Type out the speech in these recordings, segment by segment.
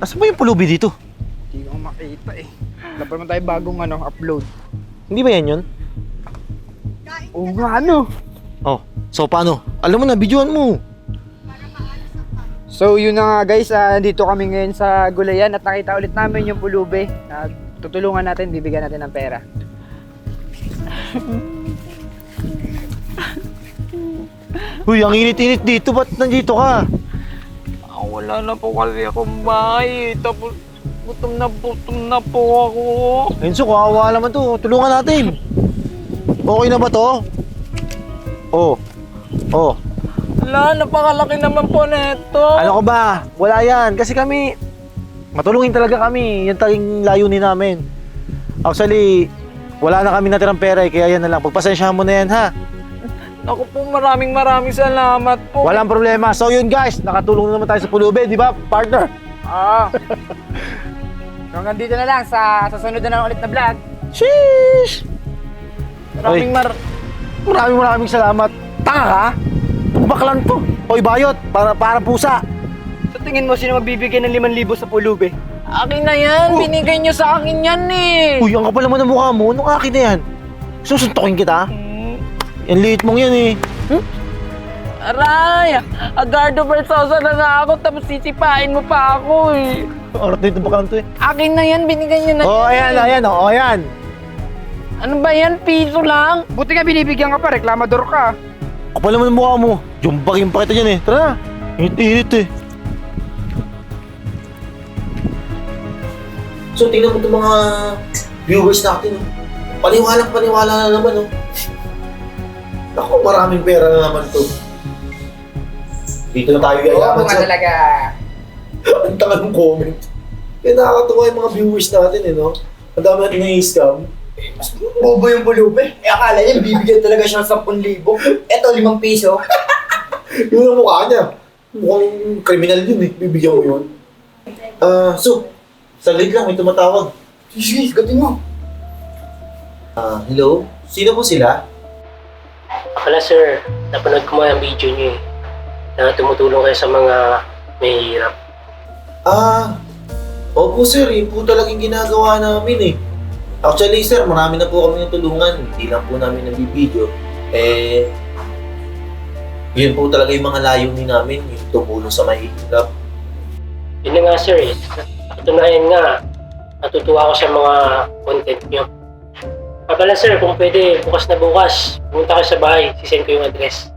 Asa ba yung pulubi dito? Hindi ko makita eh. Wala pa naman tayo bagong upload. Hindi ba yan yun? Oo nga Oh, so paano? Alam mo na, videoan mo. So yun na nga guys, dito kami ngayon sa Gulayan at nakita ulit namin yung pulubi. Tutulungan natin, bibigyan natin ng pera. Uy, ang init-init dito. Ba't nandito ka? Wala na po kasi akong bahay. Tapos gutom na po ako. Enzo, kawawa naman to. Tulungan natin. Okay na ba to? Oh. Oh. Wala, napakalaki naman po neto. Ano ko ba? Wala yan. Kasi kami, matulungin talaga kami. Yan tayong layunin namin. Actually, wala na kami natirang pera eh. Kaya yan na lang. Pagpasensyahan mo na yan, ha? Naku po, maraming salamat po. Walang problema. So yun guys, nakatulong na naman tayo sa pulubi, di ba, partner? Hanggang dito na lang sa susunod na lang ulit na vlog. Sheesh! Maraming salamat. Tanga ka? Baklan to. Hoy, bayot. Para pusa. Sa tingin mo, sino magbibigay ng 5,000 sa pulubi? Akin na yan, binigay nyo sa akin yan eh. Uy, ang kapal naman ng mukha mo. Anong akin na yan? Susuntokin kita? Yan liit mong yan eh. Aray, Agardo Versosa na nga ako tapos sisipain mo pa ako eh. Arat dito baklan to eh. Akin na yan, binigay nyo na Oh, yan. ayan. Oh, ayan. Ano ba yan, piso lang? Buti nga binibigyan ka pa, reklamador ka. Kapal naman ng mukha mo. Jumpagin pa kita dyan eh. Tara na. Init-init eh. So, tingnan mo itong mga viewers natin. Oh. Paniwala na naman. Oh. Ako, maraming pera na naman to. Dito na tayo yayaman sa... talaga. Ang tanga ng comment. Kaya nakakatuwa yung mga viewers natin eh, no? Ang dami natin na-scam. Bobo yung pulubi. Akala niya bibigyan talaga siya ng 10,000. Eto, 5 piso. Yun ang mukha niya. Mukhang kriminal yun eh. Bibigyan mo yun. So, saglit lang, may tumatawag. Sige, gatin mo. Hello? Sino po sila? Akala sir, napanood ko mga video niyo eh. Na tumutulong kayo sa mga mahihirap. Opo sir, yun po talagang ginagawa namin eh. Actually sir, marami na po kami natulungan. Hindi lang po namin nabibideo. Yun po talaga yung mga layunin namin, yung tumulong sa mahihirap. Yun na nga sir eh. Katunayan nga, natutuwa ako sa mga content niyo. Pala sir, kung pwede, bukas na bukas, pumunta kayo sa bahay, sisend ko yung address.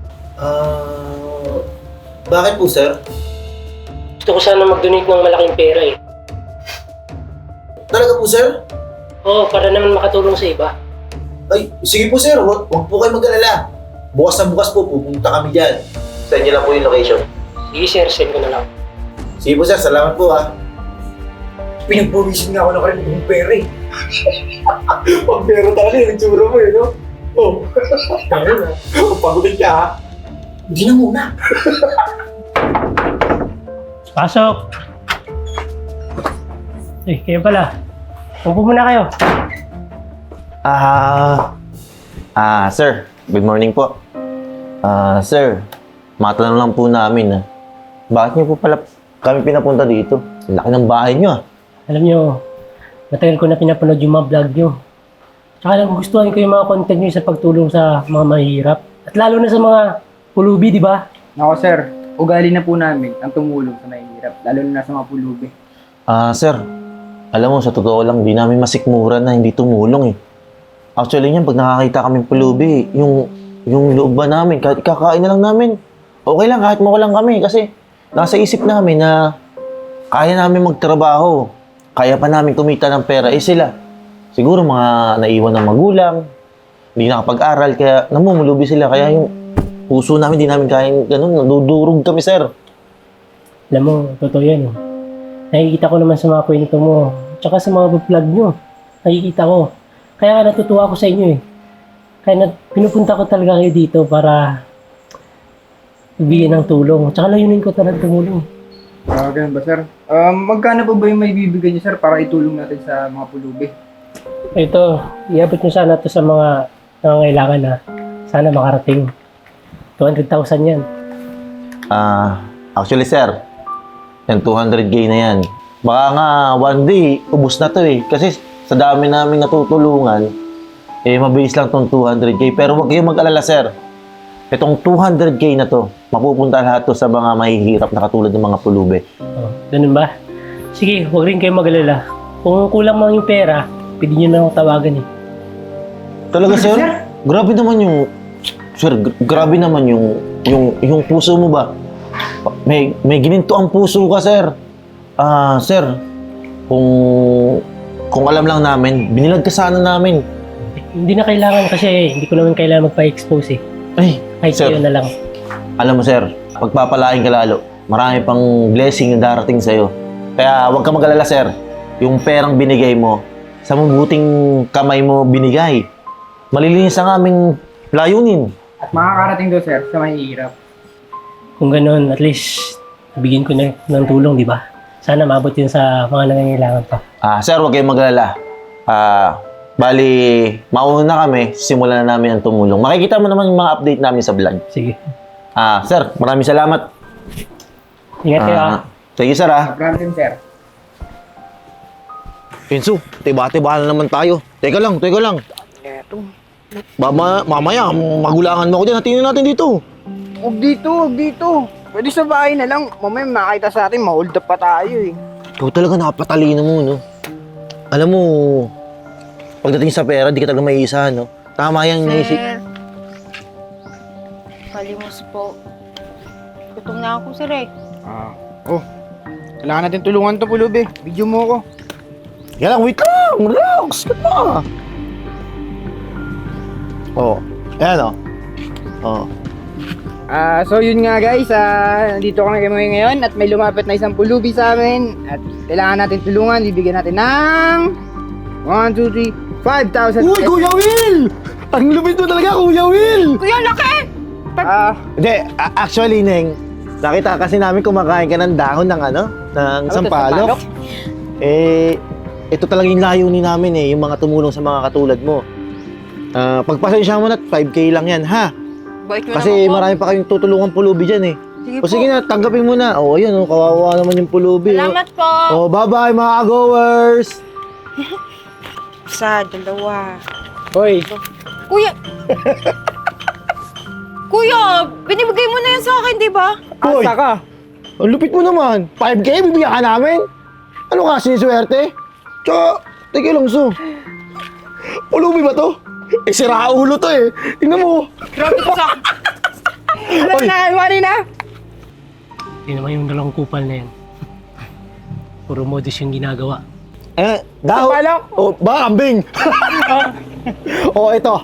Bakit po sir? Gusto ko sana mag-donate ng malaking pera eh. Talaga po sir? Oo, para naman makatulong sa iba. Ay, sige po sir, huwag po kayo mag-alala. Bukas na bukas po, pupunta kami dyan. Send niyo lang po yung location. Sige sir, send ko na lang. Sige po sir, salamat po ha. Pinagpawisin nga ako ng kalimutong pera eh. Pag pera talaga yung tsura mo eh, no? Oh. Pagutin ka ha. Hindi na muna. Pasok! Kayo pala. Upo muna kayo. Sir. Good morning po. Sir, matanong lang po namin bakit niyo po pala kami pinapunta dito? Laki ng bahay niyo Alam nyo, matagal ko na pinapanood yung mga vlog nyo. Tsaka nagugustuhan ko yung mga content nyo sa pagtulong sa mga mahirap. At lalo na sa mga pulubi, di ba? Nako sir, ugali na po namin ang tumulong sa mahihirap, lalo na sa mga pulubi. Sir, alam mo, sa totoo lang, di namin masikmura na hindi tumulong eh. Actually niyan, pag nakakita kaming pulubi, yung loob ba namin, kahit kakain na lang namin, okay lang, kahit mawalan kami. Kasi nasa isip namin na kaya namin magtrabaho, kaya pa namin kumita ng pera. Sila, siguro mga naiwan ng magulang, hindi nakapag-aral, kaya namumulubi sila. Kaya yung puso namin, di namin kaya ganun, nadudurog kami, sir. Alam mo, totoo yan. Nakikita ko naman sa mga kwento mo, tsaka sa mga vlog nyo. Nakikita ko. Kaya nga natutuwa ako sa inyo eh. Kaya pinupunta ko talaga kayo dito para bigyan ng tulong. Tsaka layunin ko talaga tumulong. Ganun ba sir? Magkano pa ba yung may bibigyan niyo sir para itulong natin sa mga pulubi? Ito, iabot nyo sana ito sa mga nangangailangan na sana makarating. 200,000 yan. Actually, sir, Yan, 200k na yan. Baka nga, one day, ubus na to eh. Kasi sa dami namin natutulungan, eh, mabilis lang tong 200k. Pero huwag kayong mag-alala, sir. Itong 200k na to, mapupunta lahat to sa mga mahihirap na katulad ng mga pulube. Oh, ganun ba? Sige, huwag rin kayo mag-alala. Kung kulang man yung pera, pwede nyo na akong tawagan eh. Talaga, sir? Grabe naman yung... Sir, grabe naman yung puso mo ba? May gininto ang puso ka, sir. Sir, kung alam lang namin, binilag ka sana namin. Hindi na kailangan kasi hindi ko naman kailangan magpa-expose eh. Ay, Kahit sir, kayo na lang. alam mo, sir, pagpapalain ka lalo. Marami pang blessing yung darating sa'yo. Kaya huwag ka mag-alala, sir. Yung perang binigay mo, sa mabuting kamay mo binigay. Malilinis ang aming layunin. At makakarating doon, sir, sa mahihirap. Kung ganun, at least bigyan ko na ng tulong, di ba? Sana maabot yun sa mga nangangailangan pa. Sir, huwag kayong mag-alala. Bali, mauna na kami, simulan na namin ang tumulong. Makikita mo naman yung mga update namin sa vlog. Sige. Sir, maraming salamat. Ingat kayo ah. Thank you, sir. Problem, sir. Enzo, tiba-tiba na naman tayo. Teka lang. Eto. Mamaya, magulangan mo ako dyan. Hatinin natin dito. Huwag dito. Pwede sa bahay na lang. Mamaya makita sa atin, ma-hold up pa tayo eh. Ikaw talaga napatalino mo, no? Alam mo, pagdating sa pera, di ka talaga maiisa, no? Tama yan, Nisi. Sir, kalimos po. Gutom na ako, sir eh. Kailangan natin tulungan to, pulubi. Video mo ako. Yan lang, wait lang! Relax ka pa! Ayan, So yun nga guys, nandito kami ngayon at may lumapit na isang pulubi sa amin at kailangan natin tulungan, bibigyan natin ng 1, 2, 3, 5,000 Uy, Kuya Will! Ang lupit mo talaga, Kuya Will! Kuya, laki! Hindi, actually, Neng, nakita kasi namin kumakain ka ng dahon ng ng sampalok. Ito talaga yung layunin namin yung mga tumulong sa mga katulad mo. Pagpasensya mo na, 5k lang yan, ha? Bait mo Kasi naman po. marami pa kayong tutulungan pulubi dyan Sige O sige na, tanggapin mo na. Ayan, kawawa naman yung pulubi. Salamat po. Bye-bye mga goers. Isa, dalawa. Hoy, Kuya! Kuya, binibigay mo na yan sa akin, di ba? Hoy! asa ka. Ang lupit mo naman. 5k, bibigyan ka namin? Ano ka, siniswerte? Tsaka, teka lang, pulubi ba to? Sira ulo to Tingnan mo. Grabe ko sa... Alam na, iwari na. Hindi naman yung dalawang kupal na yan. Puro modus yung ginagawa. Sampalok. Ba, ambing. Ito.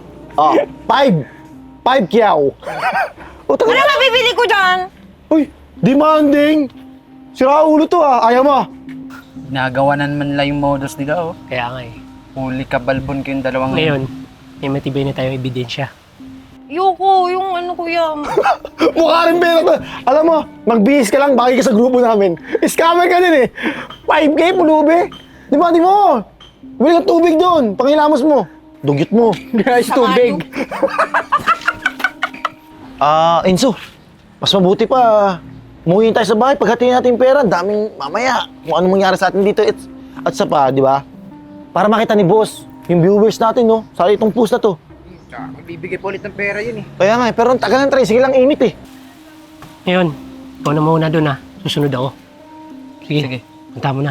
5 kyaw. Ano mabibili ko dyan? Uy, demanding. Sira ulo to Ayaw mo. Nagawa na naman lang yung modus nila, oh. Kaya nga eh. Huli ka balbon kayong dalawang... Ngayon, may matibay na tayong ebidensya. Yoko, yung ano kuya. Mukha rin pera to. Alam mo, magbihis ka lang, baki ka sa grupo namin. Scammer ka din 5k, pulubi. Di ba, bili ka tubig doon. Pangilamos mo. Dugyot mo. Guys, tubig. Enzo, mas mabuti pa. Umuwi tayo sa bahay, paghatiin natin yung pera, daming mamaya. Kung ano mangyari sa atin dito at sa pa, di ba? Para makita ni boss, yung viewers natin, no? Sa itong post na to. Magbibigay po ulit ng pera yun eh. Kaya nga, pero ang tagal ng try, sige lang init Ngayon, ikaw na muna doon Susunod ako. Sige. Punta mo na.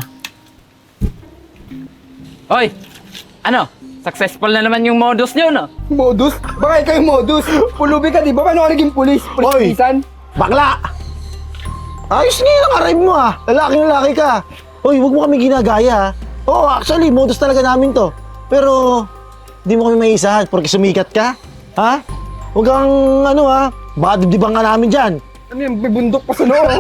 Hoy! Ano? Successful na naman yung modus nyo, no? Modus? Baka ikaw yung modus. Pulubi ka, di ba? Paano ka naging pulis? Hoy! Pulis-pulisan? Bakla! Ayos nga yung arrive mo Lalaki ka. Hoy, huwag mo kami ginagaya Oo, actually, modus talaga namin to. Pero, di mo kami maisahan porque sumikat ka. Ha? Huwag kang baka dibdiban ka namin dyan. Ano yung bibundok pa sa noo?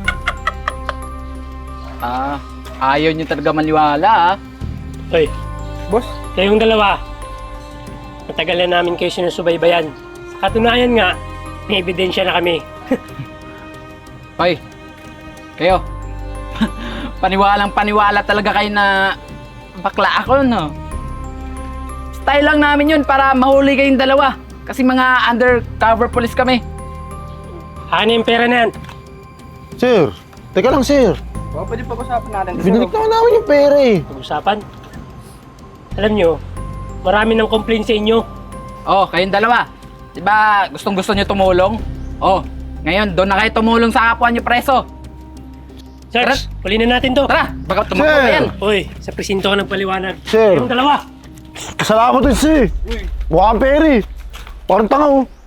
Ayaw nyo talaga maniwala, Hoy, Boss? kayong dalawa. Matagal na namin kayo sinusubaybayan. Sa katunayan nga, may ebidensya na kami. Hoy! Kayo! Paniwalang-paniwala talaga kayo na bakla ako, no? Style lang namin yun para mahuli kayong dalawa. Kasi mga undercover police kami. Ano yung pera na yan? Sir, teka lang sir. O, pwede pag-usapan natin. Binalik naman namin yung pera eh. Pag-usapan. Alam nyo, marami ng complaint sa inyo. Oh, kayong dalawa. Diba gustong-gusto nyo tumulong? Oh, ngayon doon na kayo tumulong sa kapwa nyo preso. Sarge, huli na natin to. Tara, baka tumakbo Sir! pa yan. Uy, sa presinto ka ng paliwanag. Sir. Kayong dalawa. Salamat din si. Mukha kang pera eh. Parang tanga oh.